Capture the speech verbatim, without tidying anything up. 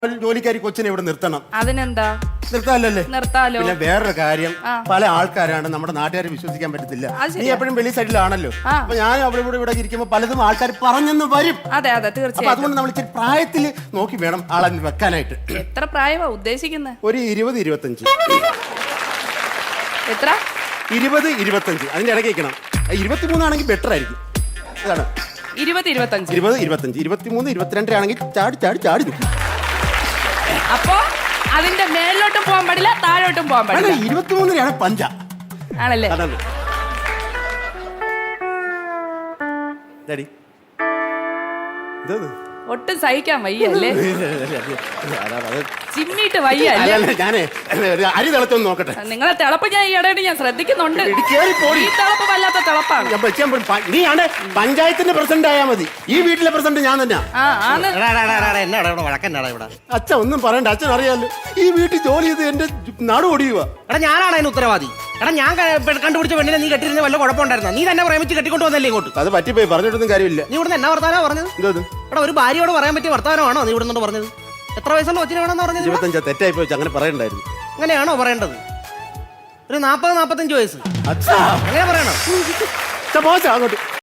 ജോലിക്കാരി കൊച്ചിനെ ഇവിടെ നിർത്തണം. അതിനെന്താ നിർത്താല്ലേ? നിർത്താലോ. പിന്നെ വേറൊരു കാര്യം, പല ആൾക്കാരാണ് നമ്മുടെ നാട്ടുകാരെ വിശ്വസിക്കാൻ പറ്റത്തില്ല. നീ എപ്പോഴും വെളി സൈഡിലാണല്ലോ. അപ്പൊ ഞാൻ അവിടെ ഇവിടെ ഇവിടെ ഇരിക്കുമ്പോ പലതും ആൾക്കാർ പറഞ്ഞെന്ന് വരും. അതെ അതെ അപ്പൊ തീർച്ചയായും. അതുകൊണ്ട് നമ്മൾ ഇച്ചിരി പ്രായത്തിൽ നോക്കി വേണം ആളെ വെക്കാനായിട്ട്. എത്ര പ്രായമാ ഉദ്ദേശിക്കുന്നത്? ഒരു ഇരുപത് ഇരുപത്തഞ്ച്. എത്ര? ഇരുപത് ഇരുപത്തഞ്ച് അതിന്റെ ഇടയ്ക്ക് വെക്കണം. ഇരുപത്തിമൂന്നാണെങ്കിൽ ബെറ്റർ ആയിരിക്കും. അതാണ് ഇരുപത് ഇരുപത്തഞ്ച്. ഇരുപത് ഇരുപത്തഞ്ച്. ഇരുപത്തിമൂന്ന് ഇരുപത്തിരണ്ടാണെങ്കിൽ ചാടി ചാടി ചാടി നിൽക്കും. അപ്പൊ അതിന്റെ മേലോട്ടും പോകാൻ പാടില്ല, താഴോട്ടും പോകാൻ പാടില്ല. ഇരുപത്തിമൂന്നിനാണ് പഞ്ച. ആണല്ലേ? അതാണ്. ഡാഡി ഇതത് ഒട്ടും സഹിക്കാൻ വയ്യല്ലേ? ചിമ്മിട്ട് വയ്യ അല്ലേ? ഞാനേ അരി തിളച്ചൊന്ന് നോക്കട്ടെ. നിങ്ങളെ തിളപ്പ് ഞാൻ ഈ ഇടയിൽ ഞാൻ ശ്രദ്ധിക്കുന്നുണ്ട്. ഈ തിളപ്പ് വല്ലാത്ത തിളപ്പാണ്. നീയാണ് പഞ്ചായത്തിന്റെ പ്രസിഡന്റ് ആയാ മതി. ഈ വീട്ടിലെ പ്രസിഡന്റ് ഞാൻ തന്നെയാ. അച്ഛൻ ഒന്നും പറയണ്ട, അച്ഛൻ അറിയാലോ ഈ വീട്ടിൽ ജോലി ചെയ്ത് എന്റെ നാട് ഓടിയുക. എടാ ഞാനാണ് അതിന് ഉത്തരവാദി. എടാ ഞാൻ കണ്ടുപിടിച്ച പെണ്ണിനെ നീ കെട്ടിരുന്ന വല്ല കുഴപ്പമുണ്ടായിരുന്നോ? നീ തന്നെ പ്രേമിച്ച് കെട്ടിക്കൊണ്ട് വന്നല്ലേ ഇങ്ങോട്ട്? അത് പറ്റിപ്പോയി, പറഞ്ഞിട്ടൊന്നും കാര്യമില്ല. നീ ഇവിടുന്ന് എന്നാ വർത്താനോ പറഞ്ഞത്? എന്തോ എടാ ഒരു ഭാര്യയോട് പറയാൻ പറ്റിയ വർത്താനമാണോ നീ ഇവിടുന്ന് പറഞ്ഞത്? എത്ര വയസ്സുള്ള കൊച്ചിനെ വേണമെന്ന് പറഞ്ഞത്? ഇരുപത്തഞ്ചാ. തെറ്റായി പോയി, അങ്ങനെ പറയണ്ടായിരുന്നു. അങ്ങനെയാണോ പറയേണ്ടത്? ഒരു നാപ്പത് നാപ്പത്തഞ്ച് വയസ്സ് അച്ഛാ അങ്ങനെ പറയണോ? അങ്ങോട്ട്